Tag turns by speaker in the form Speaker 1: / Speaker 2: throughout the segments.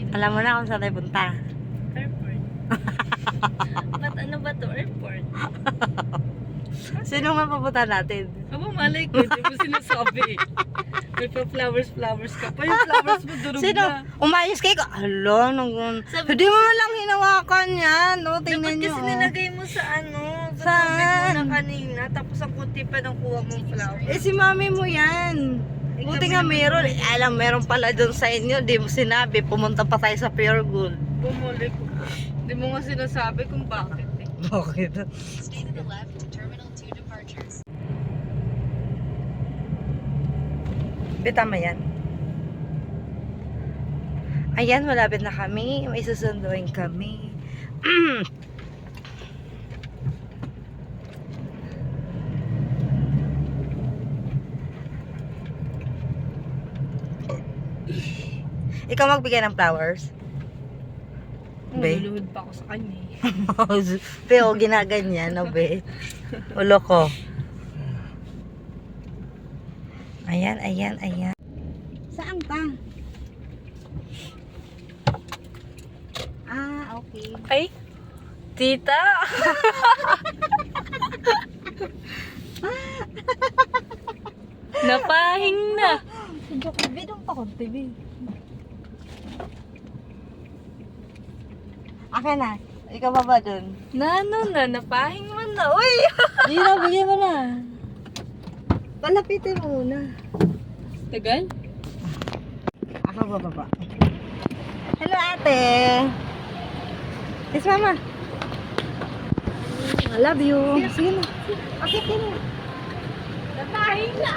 Speaker 1: Alam mo na kung saan tayo punta.
Speaker 2: Airport. Ba't ano ba to? Airport?
Speaker 1: Sino nga papunta natin?
Speaker 2: Aba, malay ko. Di mo sinasabi. May pa flowers ka pa. Yung flowers mo durog
Speaker 1: Sino?
Speaker 2: na.
Speaker 1: Umayos kayo? Alo,
Speaker 2: Sabi
Speaker 1: hindi mo lang hinawakan yan. No?
Speaker 2: Dapat
Speaker 1: Tingnan nyo.
Speaker 2: kasi nilagay mo sa ano. Sa
Speaker 1: Saan?
Speaker 2: tubig mo na kanina. Tapos ang kunti pa ng kuha mong flowers.
Speaker 1: Eh, si mami mo yan. Buti nga meron. Eh, alam, meron pala doon sa inyo. Di mo sinabi. Pumunta pa tayo sa Pure Gold.
Speaker 2: Bumalik. Hindi mo nga sinasabi kung bakit eh.
Speaker 1: Bakit?
Speaker 3: Stay to the left to Terminal 2 departures.
Speaker 1: Tama yan. Ayan, malapit na kami. May susunduin kami. Ikaw magbigay ng flowers? Be?
Speaker 2: Naluluhod pa ako sa kanya eh.
Speaker 1: Pero ginaganyan, no, be? Ulo ko. Ayan, ayan, ayan. Saan ka? Ah, okay.
Speaker 2: Ay, tita! Napahing na.
Speaker 1: Bidong pa ko, TV. Akin na. Ikaw pa ba dun?
Speaker 2: Nano na, napahing man na. Uy!
Speaker 1: Hindi na, bigyan mo na. Palapitin mo muna.
Speaker 2: Tagal?
Speaker 1: Ako bababa. Hello, ate. Yes, mama. I love you. Sige na. Okay, mo.
Speaker 2: Napahing na!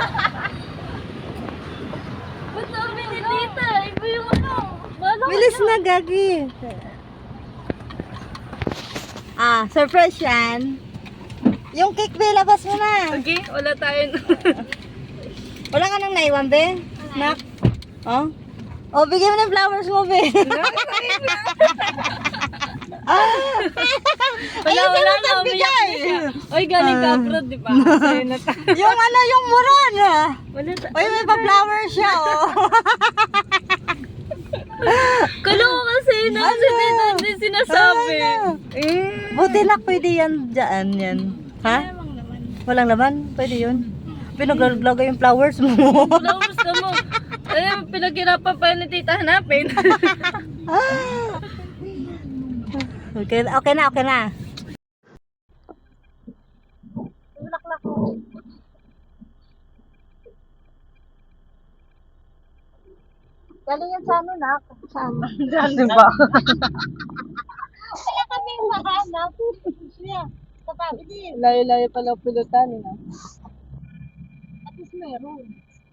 Speaker 2: Ba't sabi ni tita? Iba yung ano?
Speaker 1: Bilis na, gagi. Ah, surprise yan. Yung cake, be, labas mo na.
Speaker 2: Okay, wala tayo.
Speaker 1: Wala ka nang naiwan, be? Nak? Oh? Oh, bigyan mo ng flowers mo, be.
Speaker 2: Wala na, umiyak siya. Uy, galing ka abroad, di ba? Sa'yo na tayo.
Speaker 1: Yung ano, yung muron, ah.
Speaker 2: Wala tayo.
Speaker 1: Uy, may pa-flower siya, oh.
Speaker 2: Kalo ko kasi na kasi dito hindi sinasabi.
Speaker 1: Buti na pwede yan dyan, yan. Ha? Walang laman? Pwede yun. Pinaglagay yung flowers mo.
Speaker 2: Flowers ka mo. Eh, pinaghirapan pa ni tita hanapin.
Speaker 1: Okay, okay na, okay na. Galing yan sa ano, nak? Saan? Diba? Wala kami mahanap. Siya, katabi din.
Speaker 2: Layo-layo pala pulutan, eh.
Speaker 1: At least meron.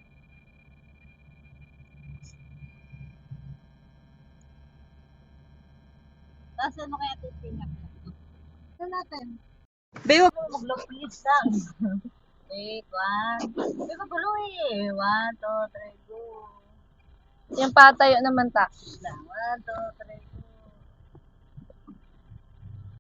Speaker 1: Tapos ano kaya titingnan? Ano natin? Bayo, mag-long please lang. Wait, one. Bayo, magulo eh. 1, 2, 3, go.
Speaker 2: Yung patayo naman ta.
Speaker 1: Lang, 1, 2, 3,